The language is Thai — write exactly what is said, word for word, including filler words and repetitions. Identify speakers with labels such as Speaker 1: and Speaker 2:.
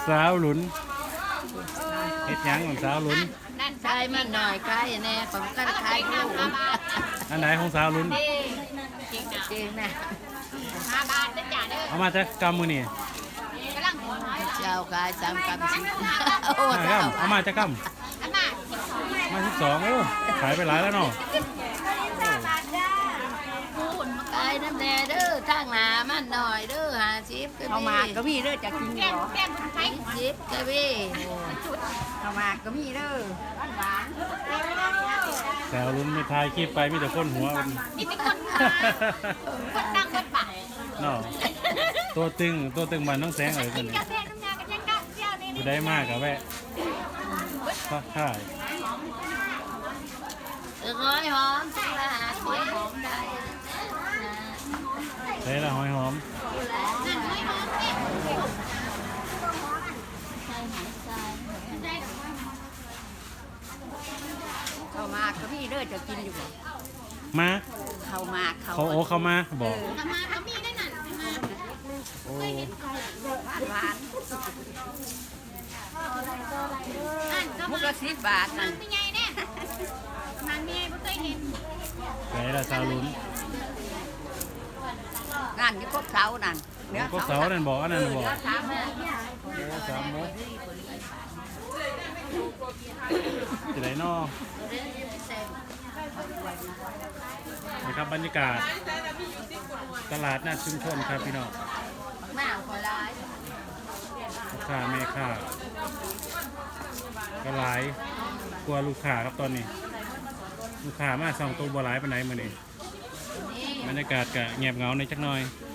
Speaker 1: สาวหลุนเฮ็ดหยังของสาวหลุน
Speaker 2: ใช่มันหน่อยใกล้แน่ของกันขายลูก
Speaker 1: อันไหนของสาวหลุน
Speaker 2: จริงนะ
Speaker 3: ห้าบาทจ้ะเด้อ
Speaker 1: เอามาจากกำมือนี่
Speaker 3: กำลังหัว
Speaker 2: เจ้าขายสามกำสิบโอ้
Speaker 1: ห้า
Speaker 2: เจ้าก
Speaker 1: ำเอามาจากก
Speaker 3: อันน่ะ
Speaker 1: ำมาสิบสองโอ้ขายไปหลายแล้วเนาะ
Speaker 2: พูดมาขายน้ำแน่เด้อทางหนามันหน่อยเด้อหาชิปก็
Speaker 4: ข้าวหมากก็มีเด้อจะกิน
Speaker 3: แก้
Speaker 4: เหร
Speaker 3: ม
Speaker 4: อ
Speaker 3: แก้มไทย
Speaker 2: ชิปก็พี่
Speaker 4: ข้าวหมากก็มีเด้อหวาน
Speaker 1: สาวหลุนไม่ทายคลิปไปมีแต่คนหัวมัน
Speaker 3: นี่เป็นคนขายคนดังคนป่า
Speaker 1: เนาะตัวตึงตัวตึงมันต้องแสงอะไรกันนี่
Speaker 3: กาแฟน้ำยากันยังดังเที่ยวนี่
Speaker 1: อยู่ได้มากกับแวะก็ค่าย
Speaker 2: ร้อยหอมจังละหาเสียหอมได้
Speaker 1: ใช้ละหอยหอม
Speaker 3: นั่นไม่หอมเนี่ย
Speaker 4: ข้าวหมากก็มีเด้อจะกินอยู่บ่
Speaker 1: มา
Speaker 4: ข้าวหมากข้าว
Speaker 1: เขาโอ้เขามาบอก
Speaker 3: ทำมาเขามีได้นั่นมา
Speaker 1: โอ้
Speaker 4: หวาน
Speaker 3: นั่นก็
Speaker 4: มุ
Speaker 3: มาก
Speaker 4: ละสิบบาท
Speaker 3: มั
Speaker 4: นั่
Speaker 3: น
Speaker 4: น
Speaker 3: เป็นไงเนี่ยมันมีไงไม่เคยเห็น
Speaker 1: ใช้ละสาวหลุน
Speaker 4: งานที่ครบเสานั่น
Speaker 1: ก็เสานั่นบอกอันนั้นบอก
Speaker 4: สามแม่
Speaker 1: โอ้สามโมงจะไหนนอนะครับบรรยากาศตลาดนัดชุมชนครับพี่น้อง
Speaker 2: หน้าคอยร้าย
Speaker 1: ลูกค้าแม่ค้าก็หลายกลัวลูกค้าครับตอนนี้ ลูกค้ามาสองตัวบัวหลายไปไหนมาเนี่ย
Speaker 2: นี่
Speaker 1: บรรยากาศก็เงียบเหงาในจักหน่อย
Speaker 2: น